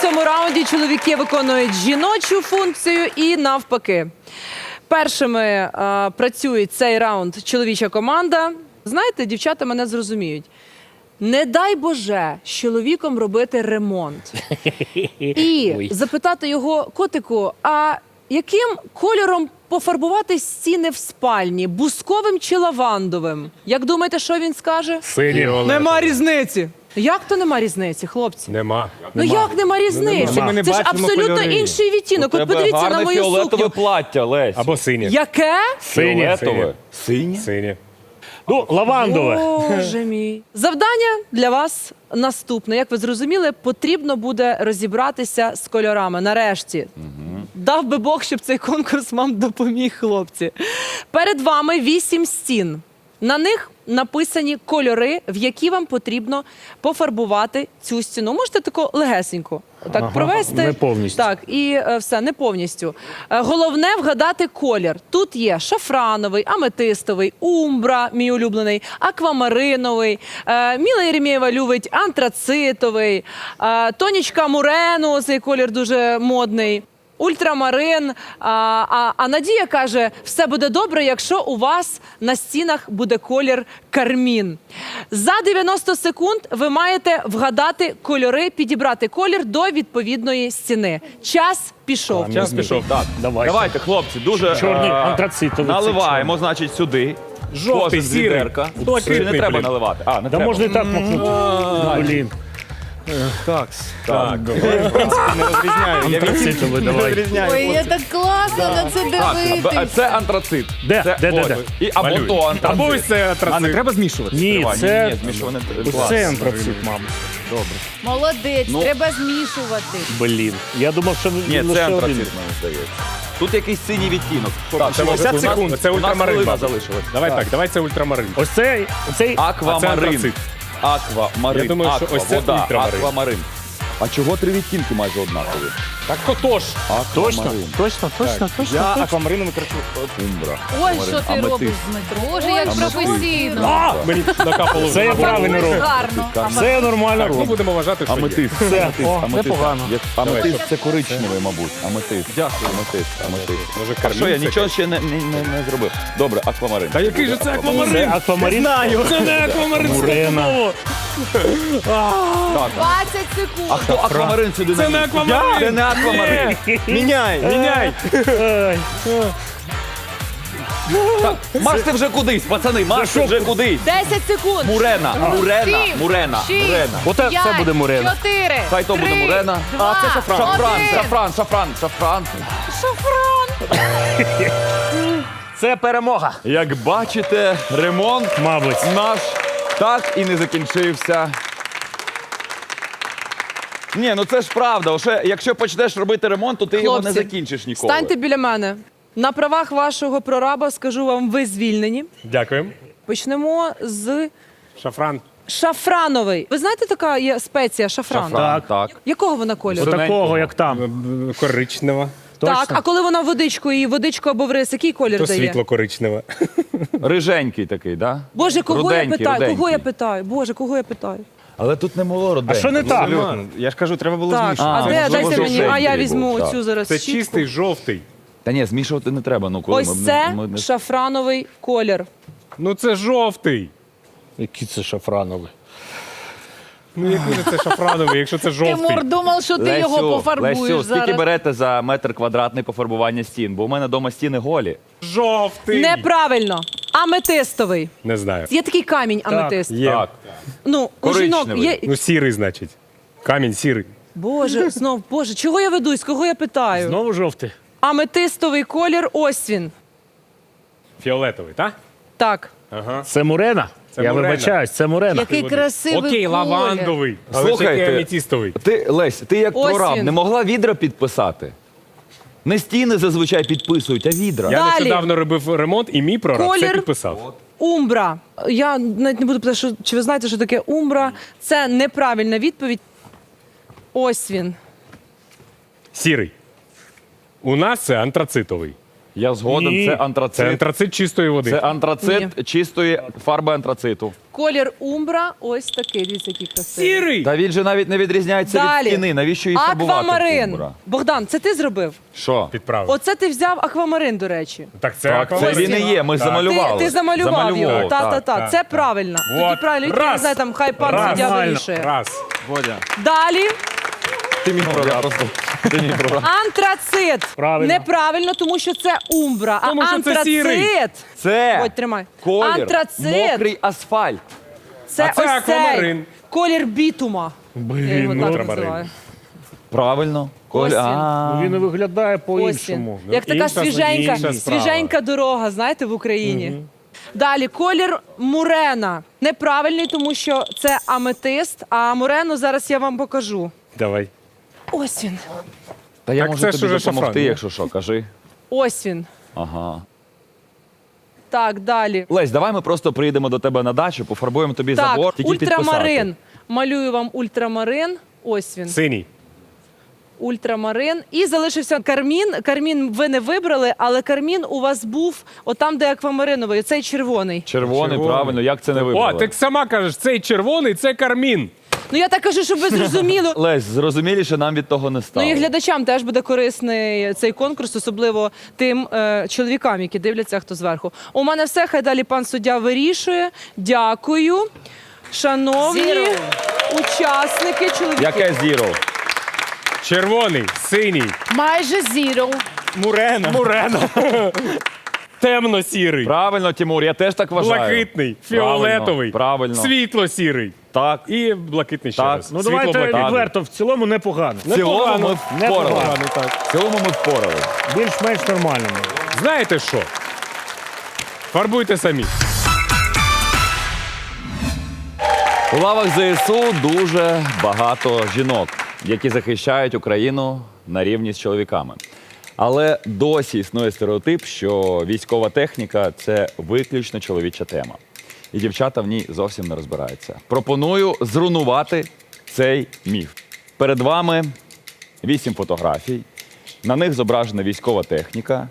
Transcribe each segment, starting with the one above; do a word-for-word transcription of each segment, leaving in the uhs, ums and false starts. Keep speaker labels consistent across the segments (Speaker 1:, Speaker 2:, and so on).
Speaker 1: цьому раунді чоловіки виконують жіночу функцію і навпаки. Першими е, працює цей раунд чоловіча команда. Знаєте, дівчата мене зрозуміють. Не дай Боже з чоловіком робити ремонт. І запитати його: котику, а яким кольором пофарбувати стіни в спальні? Бусковим чи лавандовим? Як думаєте, що він скаже?
Speaker 2: Синій.
Speaker 1: Нема різниці. Як то нема різниці, хлопці?
Speaker 2: Нема.
Speaker 1: Ну як нема різниці?
Speaker 2: Нема. Ми не
Speaker 1: Це ж
Speaker 2: бачимо
Speaker 1: абсолютно
Speaker 2: кольори.
Speaker 1: інший відтінок. От подивіться на мою
Speaker 3: фіолетове
Speaker 1: сукню.
Speaker 3: плаття, Лесь.
Speaker 2: Або синє.
Speaker 1: Яке?
Speaker 2: Синє.
Speaker 3: Фіолетове. Синє?
Speaker 2: Синє. Ну, лавандове.
Speaker 1: Боже мій. Завдання для вас наступне. Як ви зрозуміли, потрібно буде розібратися з кольорами. Нарешті. Дав би Бог, щоб цей конкурс вам допоміг, хлопці. Перед вами вісім стін. На них написані кольори, в які вам потрібно пофарбувати цю стіну. Можете тако легесенько так
Speaker 2: Ага,
Speaker 1: провести.
Speaker 2: не повністю.
Speaker 1: Так, і е, все, не повністю. Е, головне вгадати колір. Тут є шафрановий, аметистовий, умбра, мій улюблений, аквамариновий, е, Міла Єремєєва любить антрацитовий, е, Тонічка Мурену, цей колір дуже модний. Ультрамарин, а, а, а Надія каже, все буде добре, якщо у вас на стінах буде колір кармін. За дев'яносто секунд ви маєте вгадати кольори, підібрати колір до відповідної стіни. Час пішов.
Speaker 2: Час пішов. Так.
Speaker 3: Давайте. Давайте, хлопці, дуже
Speaker 2: Чорний
Speaker 3: е,
Speaker 2: антрацитовий.
Speaker 3: наливаємо, значить, сюди.
Speaker 2: Жовтий,
Speaker 3: Кожен з
Speaker 2: сірий.
Speaker 3: відерка.
Speaker 2: Блакитний,
Speaker 3: Чи не треба
Speaker 2: блін.
Speaker 3: наливати? А, не
Speaker 2: Да
Speaker 3: треба.
Speaker 2: можна і так махнути. Блін.
Speaker 3: Так.
Speaker 2: Так.
Speaker 3: Не розрізняю.
Speaker 2: Антрацитовий, давай.
Speaker 4: Ой, я так класно на це
Speaker 3: Так,
Speaker 4: дивитись.
Speaker 3: це антрацит.
Speaker 2: Де?
Speaker 3: Це,
Speaker 2: Де, де,
Speaker 3: ось.
Speaker 2: де?
Speaker 3: І, або
Speaker 2: Малюй.
Speaker 3: то антрацит.
Speaker 2: Або ось це антрацит.
Speaker 3: А, не треба змішувати?
Speaker 2: Ні,
Speaker 3: Тривай,
Speaker 2: це-
Speaker 3: Ні, ні, змішувати.
Speaker 2: Це антрацит, мабуть.
Speaker 4: Молодець,
Speaker 3: Ну.
Speaker 4: треба змішувати.
Speaker 2: Блін. Я думав, що
Speaker 3: Ні,
Speaker 2: лише
Speaker 3: це
Speaker 2: один.
Speaker 3: антрацит, мені здається. Тут якийсь синій відтінок. Так,
Speaker 2: Це
Speaker 3: шістдесят
Speaker 2: у нас-
Speaker 3: секунд.
Speaker 2: Це
Speaker 3: У нас
Speaker 2: ультрамарин,
Speaker 3: хвилина
Speaker 2: мабуть.
Speaker 3: залишилась.
Speaker 2: Давай так, давай це ультрамарин. Ось цей, цей
Speaker 3: Аквамарин.
Speaker 2: антрацит.
Speaker 3: Аквамарин.
Speaker 2: Я думаю, що
Speaker 3: Аква,
Speaker 2: ось це
Speaker 3: вода,
Speaker 2: ультрамарин.
Speaker 3: аквамарин. А чого три відтінки майже однакові?
Speaker 2: Так то тож. Точно?
Speaker 3: Аквамарин.
Speaker 2: Точно, точно, точно.
Speaker 3: Я
Speaker 2: точно.
Speaker 3: аквамарином кричу. Умбра.
Speaker 4: Ой, що ти
Speaker 3: Аметист.
Speaker 4: робиш, Дмитро? Боже, як
Speaker 3: Аметист.
Speaker 4: професійно.
Speaker 2: А! Мені накапало. Це я правильно роблю.
Speaker 4: Гарно.
Speaker 2: Це я нормально
Speaker 3: ну,
Speaker 2: роблю.
Speaker 5: Ми будемо вважати, що є.
Speaker 3: Аметист.
Speaker 2: Все.
Speaker 3: Аметист.
Speaker 2: О,
Speaker 3: Аметист.
Speaker 2: непогано.
Speaker 3: Як- Аметист це коричневий, мабуть. Аметист. Дякую. Аметист. Аметист.
Speaker 5: Може,
Speaker 3: А що, я
Speaker 5: кармін це
Speaker 3: нічого ще не, не, не, не зробив. Добре, аквамарин.
Speaker 5: Та який же це аквамарин?
Speaker 2: Це аквамарин.
Speaker 5: Знаю. Це не аквамарин.
Speaker 2: Мурена.
Speaker 3: Так.
Speaker 4: двадцять секунд.
Speaker 3: А хто аквамарин сюди
Speaker 5: Це не
Speaker 3: наніс?
Speaker 5: аквамарин.
Speaker 3: Це не аквамарин.
Speaker 5: Міняй, міняй.
Speaker 2: Ай.
Speaker 3: Марште вже кудись, пацани, марште вже кудись.
Speaker 4: десять секунд.
Speaker 3: Мурена, Мурена,
Speaker 4: Сім,
Speaker 3: Мурена,
Speaker 4: шість,
Speaker 3: Мурена.
Speaker 2: Оте це
Speaker 4: п'ять,
Speaker 2: буде Мурена.
Speaker 4: чотири,
Speaker 3: Хай то буде
Speaker 4: три,
Speaker 3: Мурена.
Speaker 4: два,
Speaker 3: А, це шафран. Шафран,
Speaker 4: один.
Speaker 3: шафран, шафран, шафран.
Speaker 2: Це перемога.
Speaker 3: Як бачите, ремонт
Speaker 2: Мабуть.
Speaker 3: наш так і не закінчився. Ні, ну це ж правда. Ще, якщо почнеш робити ремонт, то ти його не
Speaker 1: Хлопці,
Speaker 3: закінчиш ніколи.
Speaker 1: Станьте біля мене. На правах вашого прораба скажу вам, ви звільнені.
Speaker 5: Дякуємо.
Speaker 1: Почнемо з
Speaker 5: Шафран.
Speaker 1: шафрановий. Ви знаєте, така є спеція шафран?
Speaker 3: Шафран, так.
Speaker 1: Якого вона кольору?
Speaker 2: Отакого, як там.
Speaker 5: Коричнева.
Speaker 1: Так, а коли вона водичкою, і водичку або в рис, який колір
Speaker 5: То
Speaker 1: дає?
Speaker 5: світло коричневе.
Speaker 3: Риженький такий, да?
Speaker 1: Боже, кого
Speaker 3: Руденький,
Speaker 1: я питаю?
Speaker 3: руденький.
Speaker 1: Кого я питаю? Боже, кого я питаю?
Speaker 3: Але тут не було
Speaker 2: А
Speaker 3: роденького.
Speaker 2: що не так?
Speaker 5: Я ж кажу, треба було
Speaker 1: Так,
Speaker 5: змішувати.
Speaker 1: а,
Speaker 3: А,
Speaker 1: де,
Speaker 3: можливо,
Speaker 1: дайте мені, а я
Speaker 3: жовтенький
Speaker 1: візьму
Speaker 3: був, так.
Speaker 1: оцю зараз
Speaker 5: Це
Speaker 1: щітку.
Speaker 5: чистий жовтий.
Speaker 3: Та ні, змішувати не треба. Ну, коли
Speaker 1: Ось
Speaker 3: ми,
Speaker 1: це
Speaker 3: ми, ми...
Speaker 1: шафрановий колір.
Speaker 5: Ну це жовтий.
Speaker 2: Які це шафранові?
Speaker 5: Ну який же це шафрановий, якщо це жовтий?
Speaker 4: Тимур думав, що ти його пофарбуєш
Speaker 3: Лесю, скільки
Speaker 4: зараз.
Speaker 3: берете за метр квадратний пофарбування стін? Бо у мене вдома стіни голі.
Speaker 5: Жовтий.
Speaker 1: Неправильно. Аметистовий.
Speaker 5: Не знаю.
Speaker 1: Є такий камінь аметист.
Speaker 5: Є.
Speaker 3: Так.
Speaker 1: Ну, у жінок
Speaker 3: Коричневий.
Speaker 1: є.
Speaker 5: Ну сірий, значить. Камінь сірий.
Speaker 1: Боже, знов, Боже, чого я ведусь? Кого я питаю?
Speaker 2: Знову жовтий.
Speaker 1: Аметистовий колір, ось він.
Speaker 5: Фіолетовий, так?
Speaker 1: Так.
Speaker 5: Ага.
Speaker 2: Це Мурена?
Speaker 5: Це
Speaker 2: Я
Speaker 5: Мурена.
Speaker 2: вибачаюсь, це Мурена.
Speaker 4: Який красивий
Speaker 5: Окей,
Speaker 4: колір.
Speaker 5: лавандовий. Але
Speaker 3: Слухайте.
Speaker 5: ж який аметістовий.
Speaker 3: Ти, Лесь, ти як
Speaker 1: Ось
Speaker 3: прораб
Speaker 1: він.
Speaker 3: не могла відра підписати? Не стіни зазвичай підписують, а відра.
Speaker 5: Я
Speaker 1: Далі.
Speaker 5: нещодавно робив ремонт, і мій прораб
Speaker 1: Колір.
Speaker 5: це підписав.
Speaker 1: Умбра. Я навіть не буду питати, що, чи ви знаєте, що таке умбра. Це неправильна відповідь. Ось він.
Speaker 5: Сірий. У нас це антрацитовий.
Speaker 3: Я згоден,
Speaker 5: Ні.
Speaker 3: це
Speaker 5: Це
Speaker 3: антрацит.
Speaker 5: антрацит чистої води.
Speaker 3: Це антрацит чистої фарби антрациту.
Speaker 1: Колір умбра ось такий, дивіться, який красивий.
Speaker 5: Сірий!
Speaker 3: Та він же навіть не відрізняється
Speaker 1: Далі.
Speaker 3: від стіни. Навіщо її фарбувати?
Speaker 1: Аквамарин.
Speaker 3: Кумбра?
Speaker 1: Богдан, це ти зробив?
Speaker 3: Що?
Speaker 5: Підправив.
Speaker 1: Оце ти взяв аквамарин, до речі.
Speaker 5: Так це
Speaker 3: Так, це
Speaker 5: аквамарин.
Speaker 3: він і є, ми
Speaker 5: Так.
Speaker 3: замалювали.
Speaker 1: Ти, ти замалював його.
Speaker 3: Замалював,
Speaker 1: Та, та,
Speaker 3: так,
Speaker 1: та.
Speaker 5: так,
Speaker 1: Це
Speaker 5: так.
Speaker 1: правильно.
Speaker 5: Вот.
Speaker 1: Тоді правильно. Тільки не
Speaker 5: Раз.
Speaker 1: знаю, там хай пан
Speaker 5: Раз.
Speaker 1: суддя
Speaker 5: Нормально.
Speaker 1: вирішує.
Speaker 5: Раз.
Speaker 3: Бодя,
Speaker 1: Далі
Speaker 3: ти мій прорав. просто. Ти мій прорав.
Speaker 1: антрацит.
Speaker 2: Правильно.
Speaker 1: Неправильно, тому що це умбра. А
Speaker 5: Тому що це сірий.
Speaker 1: антрацит.
Speaker 3: Це
Speaker 1: Бодь, тримай.
Speaker 3: колір
Speaker 1: Антрацит.
Speaker 3: мокрий асфальт.
Speaker 1: Це
Speaker 5: А це
Speaker 1: ось цей
Speaker 5: аквамарин.
Speaker 1: колір бітума. Я
Speaker 5: Блін,
Speaker 1: його
Speaker 5: ну
Speaker 1: так
Speaker 5: треба
Speaker 1: називаю.
Speaker 3: Правильно.
Speaker 1: Ось він.
Speaker 3: А.
Speaker 2: Ну, він і виглядає
Speaker 1: Ось
Speaker 2: по-іншому.
Speaker 1: він. Як така
Speaker 5: Інша-
Speaker 1: свіженька,
Speaker 5: інша справа.
Speaker 1: свіженька дорога, знаєте, в Україні. Далі, колір мурена. Неправильний, тому що це аметист, а мурену зараз я вам покажу.
Speaker 5: Давай.
Speaker 1: Ось він.
Speaker 3: Та я
Speaker 5: Так
Speaker 3: можу
Speaker 5: це ж
Speaker 3: тобі
Speaker 5: уже
Speaker 3: допомогти,
Speaker 5: шафран,
Speaker 3: якщо що, кажи.
Speaker 1: Ось він.
Speaker 3: Ага.
Speaker 1: Так, далі.
Speaker 3: Лесь, давай ми просто приїдемо до тебе на дачу, пофарбуємо тобі
Speaker 1: Так,
Speaker 3: забор, тільки
Speaker 1: ультрамарин.
Speaker 3: підписати.
Speaker 1: Малюю вам ультрамарин. Ось він.
Speaker 5: Синій.
Speaker 1: Ультрамарин. І залишився кармін. Кармін ви не вибрали, але кармін у вас був отам, де аквамариновий. Цей червоний.
Speaker 3: Червоний,
Speaker 5: Червоний.
Speaker 3: правильно, як це не
Speaker 5: О,
Speaker 3: вибрали?
Speaker 5: ти сама кажеш, цей червоний, це кармін.
Speaker 1: Ну я так кажу, щоб ви зрозуміли.
Speaker 3: Лесь, зрозуміліше нам від того не стало.
Speaker 1: Ну і глядачам теж буде корисний цей конкурс, особливо тим е, чоловікам, які дивляться, хто зверху. У мене все, хай далі пан суддя вирішує. Дякую. Шановні
Speaker 4: Zero.
Speaker 1: учасники, чоловіки.
Speaker 3: Яке зіро?
Speaker 5: Червоний, синій,
Speaker 4: Майже зіро.
Speaker 5: мурена. Мурена. Темно-сірий,
Speaker 3: Правильно, Тимур, я теж так вважаю.
Speaker 5: блакитний,
Speaker 3: Правильно,
Speaker 5: фіолетовий,
Speaker 3: Правильно.
Speaker 5: світло-сірий
Speaker 3: Так.
Speaker 5: і блакитний ще
Speaker 3: Так.
Speaker 5: раз.
Speaker 2: Ну давайте
Speaker 5: Світло-блакитний.
Speaker 2: відверто, в цілому непогано.
Speaker 3: В цілому ми
Speaker 5: Непогано.
Speaker 3: впорали.
Speaker 5: Непогано, так.
Speaker 3: В цілому ми впорали.
Speaker 2: Більш-менш нормально.
Speaker 5: Знаєте що? Фарбуйте самі.
Speaker 3: У лавах ЗСУ дуже багато жінок, які захищають Україну на рівні з чоловіками. Але досі існує стереотип, що військова техніка це виключно чоловіча тема. І дівчата в ній зовсім не розбираються. Пропоную зруйнувати цей міф. Перед вами вісім фотографій. На них зображена військова техніка.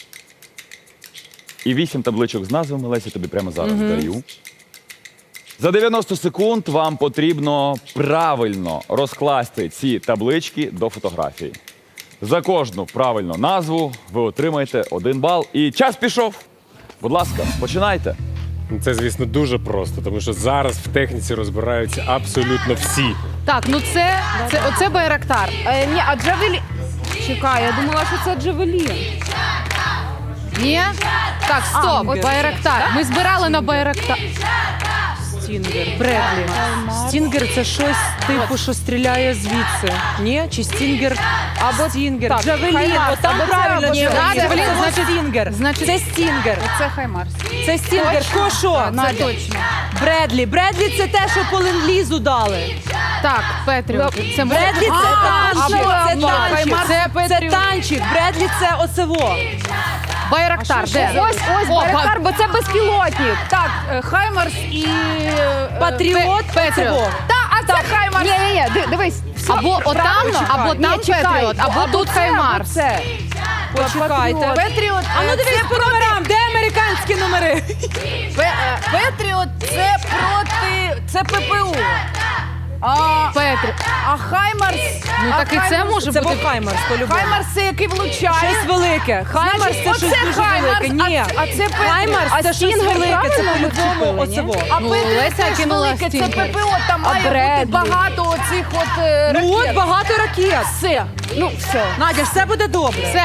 Speaker 3: І вісім табличок з назвами. Леся, тобі прямо зараз даю. За дев'яносто секунд вам потрібно правильно розкласти ці таблички до фотографії. За кожну правильну назву ви отримаєте один бал. І час пішов. Будь ласка, починайте.
Speaker 5: Ну, це, звісно, дуже просто, тому що зараз в техніці розбираються абсолютно всі.
Speaker 4: Так, ну це, це оце Байрактар. Е, ні, а Джавелі... Чекай, я думала, що це Джавелін. Ні? Так, стоп,
Speaker 1: Ангел.
Speaker 4: Байрактар. Ми збирали на Байрактар.
Speaker 1: Стінгер. Бредлі. Стінгер це щось типу, що стріляє звідси. Ні? Чи стінгер? Або стінгер.
Speaker 4: Так,
Speaker 1: Джавелін.
Speaker 4: Хаймарс,
Speaker 1: От там
Speaker 4: або це,
Speaker 1: правильно.
Speaker 4: або це.
Speaker 1: Джавелін.
Speaker 4: Да, Джавелін,
Speaker 1: Це
Speaker 4: значить-
Speaker 1: стінгер.
Speaker 4: значить-
Speaker 1: Це стінгер.
Speaker 4: Це Хаймарс.
Speaker 1: Це стінгер.
Speaker 4: Точно?
Speaker 1: Ко що?
Speaker 4: Так,
Speaker 1: Надя?
Speaker 4: це точно.
Speaker 1: Бредлі. Бредлі це те, що по ленд-лізу дали.
Speaker 4: Так, Петріот. Це
Speaker 1: Бредлі це
Speaker 4: А,
Speaker 1: танчик. Це
Speaker 4: або
Speaker 1: танчик.
Speaker 4: Хаймарс,
Speaker 1: Це,
Speaker 4: це
Speaker 1: це
Speaker 4: Петріот.
Speaker 1: танчик. Бредлі це оцево.
Speaker 4: Байрактар, де?
Speaker 6: Ось ось
Speaker 4: О,
Speaker 6: Байрактар,
Speaker 4: ба-
Speaker 6: бо це безпілотник. Так, е, Хаймарс і е,
Speaker 1: Патріот.
Speaker 4: Петріот.
Speaker 1: оцево.
Speaker 6: Та, а це Хаймарс. Ні, ні, ні, дивись. все
Speaker 4: Або отам,
Speaker 6: правильно.
Speaker 4: або
Speaker 6: Ні,
Speaker 4: там
Speaker 6: чекай.
Speaker 4: Петріот, або тут
Speaker 6: це,
Speaker 4: Хаймарс.
Speaker 6: або це.
Speaker 1: Почекайте.
Speaker 6: Петріот.
Speaker 1: А ну
Speaker 6: е,
Speaker 1: дивись
Speaker 6: це
Speaker 1: по номерам. Де американські номери?
Speaker 6: Пе- е, Петріот це проти. Це ППУ. А,
Speaker 4: Петріот.
Speaker 6: а Хаймарс.
Speaker 4: Ну
Speaker 6: а
Speaker 4: так і це
Speaker 6: Хаймарс-
Speaker 4: може
Speaker 1: Це
Speaker 4: бути.
Speaker 1: був Хаймарс, по-любому.
Speaker 6: Хаймарс це який влучає.
Speaker 1: Щось велике. Хаймарс
Speaker 6: Значить,
Speaker 1: це щось
Speaker 6: оце
Speaker 1: дуже
Speaker 6: Хаймарс,
Speaker 1: велике. Ні.
Speaker 6: а- а це Петріот.
Speaker 1: Хаймарс
Speaker 6: А
Speaker 1: це щось
Speaker 6: Стінгер
Speaker 1: велике. Це
Speaker 6: правильно
Speaker 1: по-любому
Speaker 6: вчепили, ні?
Speaker 1: оцево.
Speaker 6: А
Speaker 4: Ну,
Speaker 6: Петріот
Speaker 4: Леся
Speaker 6: це ж
Speaker 4: кинула
Speaker 6: велике, це
Speaker 4: Стінгер.
Speaker 6: ППО, там
Speaker 1: А
Speaker 6: має бути
Speaker 1: Бредлі?
Speaker 6: багато оцих от е,
Speaker 1: Ну от
Speaker 6: ракет.
Speaker 1: багато ракет.
Speaker 6: Все. Ну, все.
Speaker 1: Надя, все буде добре.
Speaker 4: Все.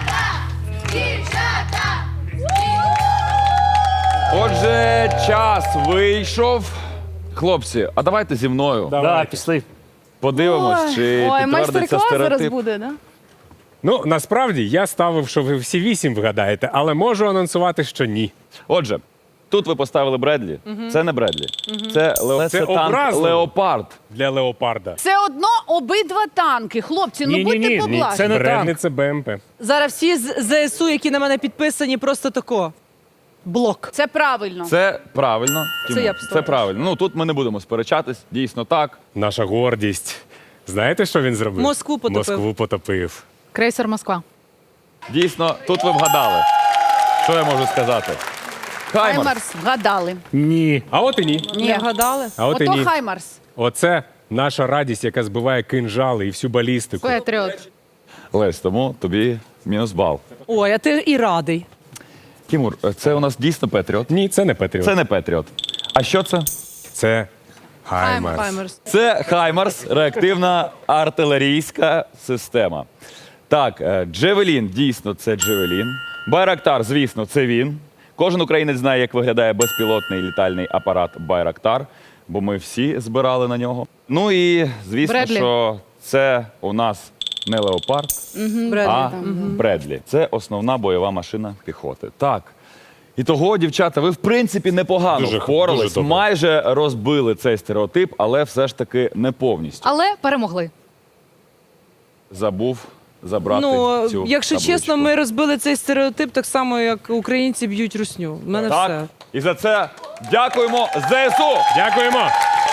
Speaker 3: Отже, час вийшов. Хлопці, а давайте зі мною
Speaker 2: Да, пішли.
Speaker 3: подивимось, чи
Speaker 6: Ой,
Speaker 3: підтвердиться
Speaker 6: майстер-клас зараз
Speaker 3: стереотип.
Speaker 6: буде, да?
Speaker 5: Ну, насправді, я ставив, що ви всі вісім вгадаєте, але можу анонсувати, що ні.
Speaker 3: Отже, тут ви поставили Бредлі. Це не Бредлі. Це, Ле...
Speaker 5: Це
Speaker 3: це танк
Speaker 5: образливо.
Speaker 3: Леопард.
Speaker 5: Для Леопарда.
Speaker 6: Все одно обидва танки. Хлопці, ну
Speaker 2: Ні, ні,
Speaker 6: будьте
Speaker 2: ні, ні,
Speaker 6: поблажні.
Speaker 2: це не
Speaker 5: Бредлі
Speaker 2: танк.
Speaker 5: це БМП.
Speaker 1: Зараз всі з ЗСУ, які на мене підписані, просто тако. Блок.
Speaker 6: Це правильно.
Speaker 3: Це правильно. Тимур,
Speaker 1: я б
Speaker 3: це
Speaker 1: ставила.
Speaker 3: правильно. Ну тут ми не будемо сперечатись. Дійсно так.
Speaker 5: Наша гордість. Знаєте, що він зробив?
Speaker 1: Москву потопив.
Speaker 5: Москву потопив.
Speaker 4: Крейсер Москва.
Speaker 3: Дійсно, тут ви вгадали. Що я можу сказати? Хаймарс.
Speaker 4: Хаймарс вгадали.
Speaker 2: Ні.
Speaker 5: А от і ні.
Speaker 1: Не вгадали?
Speaker 5: А от і
Speaker 4: Ото
Speaker 5: ні.
Speaker 4: Хаймарс.
Speaker 5: Оце наша радість, яка збиває кинжали і всю балістику.
Speaker 4: Петріот.
Speaker 3: Лесь, тому тобі мінус бал.
Speaker 1: Ой, а ти і радий.
Speaker 3: Тімур, це у нас дійсно Петріот?
Speaker 5: Ні, це не Петріот.
Speaker 3: Це не Петріот. А що це?
Speaker 5: Це Хаймарс.
Speaker 1: Хаймерс.
Speaker 3: Це Хаймарс, реактивна артилерійська система. Так, е, Джевелін, дійсно, це Джевелін. Байрактар, звісно, це він. Кожен українець знає, як виглядає безпілотний літальний апарат Байрактар, бо ми всі збирали на нього. Ну і звісно,
Speaker 4: Бредлі.
Speaker 3: що це у нас не леопард, а Бредлі. Це основна бойова машина піхоти. Так. І того, дівчата, ви в принципі непогано
Speaker 5: Дуже-
Speaker 3: впорались,
Speaker 5: дуже добре.
Speaker 3: майже розбили цей стереотип, але все ж таки не повністю.
Speaker 4: Але перемогли.
Speaker 3: Забув забрати
Speaker 1: Ну,
Speaker 3: цю
Speaker 1: якщо
Speaker 3: табличку.
Speaker 1: чесно, ми розбили цей стереотип так само, як українці б'ють русню. У мене
Speaker 3: Так,
Speaker 1: все.
Speaker 3: і за це дякуємо ЗСУ!
Speaker 5: Дякуємо.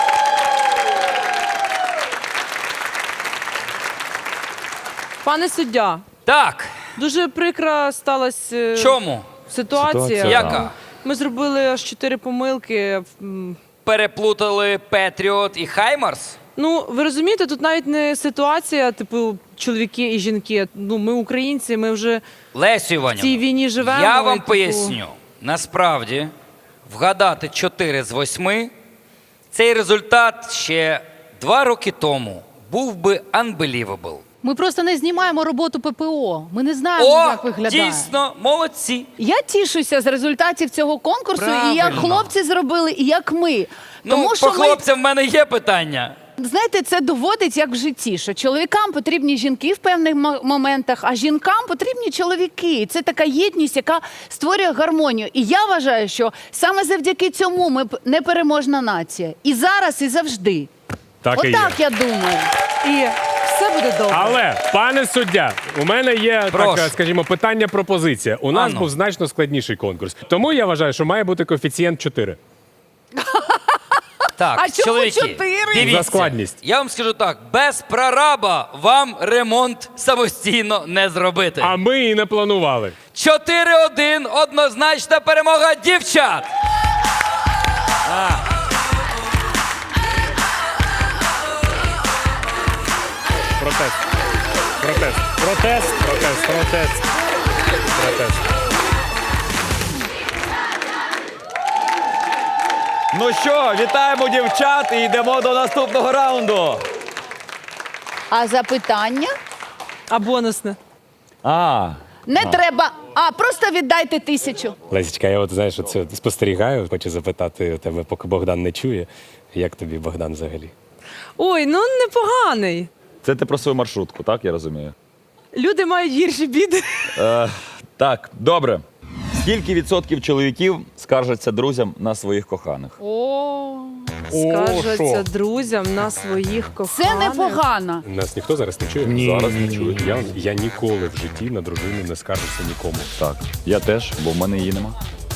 Speaker 1: Пане суддя,
Speaker 7: Так,
Speaker 1: дуже прикра сталася е,
Speaker 7: чому?
Speaker 1: ситуація.
Speaker 3: Ситуація,
Speaker 7: Яка?
Speaker 1: Ми зробили аж чотири помилки. М,
Speaker 7: Переплутали Петріот і Хаймарс?
Speaker 1: Ну, ви розумієте, тут навіть не ситуація, типу, чоловіки і жінки. Ну, ми українці, ми вже
Speaker 7: Лесю
Speaker 1: в цій
Speaker 7: Іванівна,
Speaker 1: війні живемо.
Speaker 7: я
Speaker 1: і,
Speaker 7: вам
Speaker 1: типу,
Speaker 7: поясню. Насправді, вгадати чотири з восьми, цей результат ще два роки тому був би unbelievable.
Speaker 4: Ми просто не знімаємо роботу ППО. Ми не знаємо,
Speaker 7: О,
Speaker 4: як виглядає.
Speaker 7: дійсно, молодці.
Speaker 4: Я тішуся з результатів цього конкурсу, і як
Speaker 7: Правильно.
Speaker 4: хлопці зробили, і як ми.
Speaker 7: Ну,
Speaker 4: Тому
Speaker 7: по
Speaker 4: що ми,
Speaker 7: хлопцям в мене є питання.
Speaker 4: знаєте, це доводить як в житті, що чоловікам потрібні жінки в певних мо- моментах, а жінкам потрібні чоловіки. І це така єдність, яка створює гармонію. І я вважаю, що саме завдяки цьому ми п- непереможна нація. І зараз, і завжди.
Speaker 5: Так і є.
Speaker 4: Отак я думаю.
Speaker 1: І все буде добре.
Speaker 5: Але, пане суддя, у мене є
Speaker 7: Прошу.
Speaker 5: така, скажімо, питання, пропозиція. У нас
Speaker 7: Ану.
Speaker 5: був значно складніший конкурс. Тому я вважаю, що має бути коефіцієнт чотири.
Speaker 7: Так,
Speaker 4: А чому
Speaker 7: чоловіки,
Speaker 4: чотири?
Speaker 7: дивіться,
Speaker 5: За складність.
Speaker 7: Я вам скажу так, без прораба вам ремонт самостійно не зробити.
Speaker 5: А ми і не планували.
Speaker 7: чотири один, однозначна перемога дівчат.
Speaker 5: Протест. Протест.
Speaker 2: Протест.
Speaker 5: Протест.
Speaker 2: Протест.
Speaker 5: Протест.
Speaker 3: Ну що, вітаємо дівчат і йдемо до наступного раунду.
Speaker 4: А запитання?
Speaker 1: А бонусне?
Speaker 3: А,
Speaker 4: Не треба. А, просто віддайте тисячу.
Speaker 5: Лесічка, я от знаєш, це спостерігаю, хочу запитати у тебе, поки Богдан не чує. Як тобі Богдан взагалі?
Speaker 1: Ой, ну непоганий.
Speaker 3: це ти про свою маршрутку, так я розумію?
Speaker 1: Люди мають гірші біди.
Speaker 3: Е, так, добре. Скільки відсотків чоловіків скаржаться друзям на своїх коханих?
Speaker 4: О,
Speaker 1: Скаржаться друзям на своїх коханих.
Speaker 4: це непогано.
Speaker 5: Нас ніхто зараз не чує?
Speaker 2: Ні.
Speaker 5: Зараз не чує. Я, я ніколи в житті на дружину не скаржився нікому.
Speaker 3: Так, я теж, бо в мене її нема.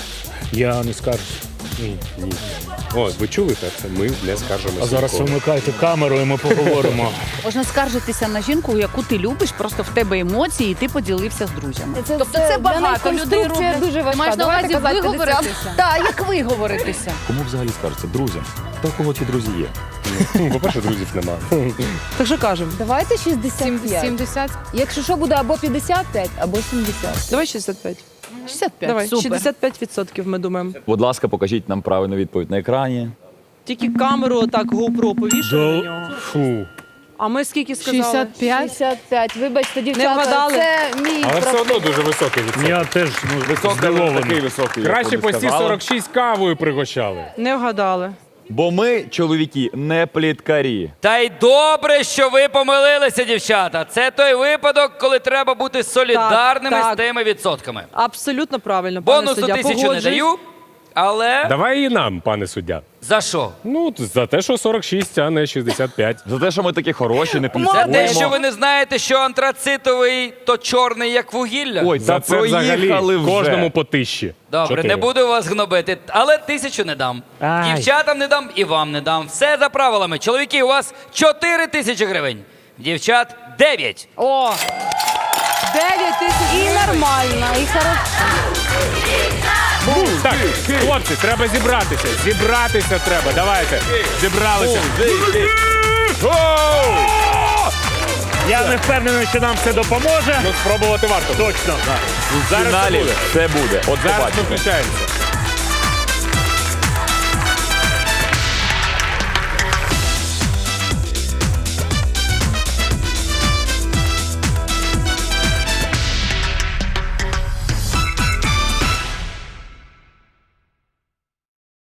Speaker 2: Я не скажу.
Speaker 5: Ні, ні. О, ви чули так? Це ми не скаржимося.
Speaker 2: А зараз
Speaker 5: ніколи.
Speaker 2: вимикайте камеру і ми поговоримо.
Speaker 4: Можна скаржитися на жінку, яку ти любиш, просто в тебе емоції, і ти поділився з друзями. тобто це багато людей роблять.
Speaker 6: дуже важка.
Speaker 4: Маєш на увазі
Speaker 6: Давайте казати
Speaker 4: виговоритися? Так, як виговоритися.
Speaker 3: Кому взагалі скаржаться? Друзям. Та у кого ті друзі є?
Speaker 5: Ну, по-перше, друзів нема.
Speaker 1: Так що кажемо?
Speaker 6: Давайте шістдесят п'ять.
Speaker 4: сімдесят.
Speaker 6: Якщо що, буде або п'ятдесят п'ять, або сімдесят.
Speaker 1: Давай шістдесят п'ять.
Speaker 4: шістдесят п'ять.
Speaker 1: Давай,
Speaker 4: Супер.
Speaker 1: шістдесят п'ять відсотків ми думаємо.
Speaker 3: Будь ласка, покажіть нам правильну відповідь на екрані.
Speaker 1: Тільки камеру отак GoPro повішали на нього.
Speaker 5: Фу.
Speaker 1: А ми скільки сказали?
Speaker 4: шістдесят п'ять.
Speaker 6: шістдесят п'ять. Вибачте, дівчата,
Speaker 1: вгадали?
Speaker 6: це мій
Speaker 5: Але все
Speaker 6: проф-
Speaker 5: одно дуже високий відсоток.
Speaker 2: Я теж ну,
Speaker 3: Високий, такий
Speaker 2: здивований.
Speaker 3: високий. як
Speaker 5: Краще
Speaker 3: ви
Speaker 5: постій
Speaker 3: сказали.
Speaker 5: сорок шість кавою пригощали.
Speaker 1: Не вгадали.
Speaker 3: Бо ми, чоловіки, не пліткарі.
Speaker 7: Та й добре, що ви помилилися, дівчата. Це той випадок, коли треба бути солідарними
Speaker 1: Так, так.
Speaker 7: з тими відсотками.
Speaker 1: Абсолютно правильно, пане
Speaker 7: Бонусу
Speaker 1: суддя.
Speaker 7: тисячу не
Speaker 1: Погоджуюсь.
Speaker 7: даю, але
Speaker 5: Давай і нам, пане суддя.
Speaker 7: за що?
Speaker 5: Ну, за те, що сорок шість, а не шістдесят п'ять.
Speaker 3: За те, що ми такі хороші, не
Speaker 7: За те,
Speaker 3: пліткуємо.
Speaker 7: що ви не знаєте, що антрацитовий то чорний, як вугілля.
Speaker 3: Ой,
Speaker 5: За
Speaker 3: та
Speaker 5: це взагалі
Speaker 3: проїхали вже.
Speaker 5: кожному по тисячі.
Speaker 7: Добре,
Speaker 5: Чотири.
Speaker 7: не буду вас гнобити, але тисячу не дам.
Speaker 2: Ай.
Speaker 7: Дівчатам не дам і вам не дам. Все за правилами. Чоловіки, у вас чотири тисячі гривень. Дівчат дев'ять.
Speaker 1: О! дев'ять тисяч.
Speaker 4: І на
Speaker 6: нормально, і хорошо.
Speaker 5: Так, хлопці, треба зібратися. Зібратися треба. Давайте. Зібралися.
Speaker 2: Я не впевнений, що нам це допоможе.
Speaker 5: Ну, спробувати варто.
Speaker 2: Точно.
Speaker 3: В
Speaker 5: Зараз це
Speaker 3: фіналі
Speaker 5: буде.
Speaker 3: це буде. От
Speaker 5: Зараз ми
Speaker 3: побачите.
Speaker 5: включаємося.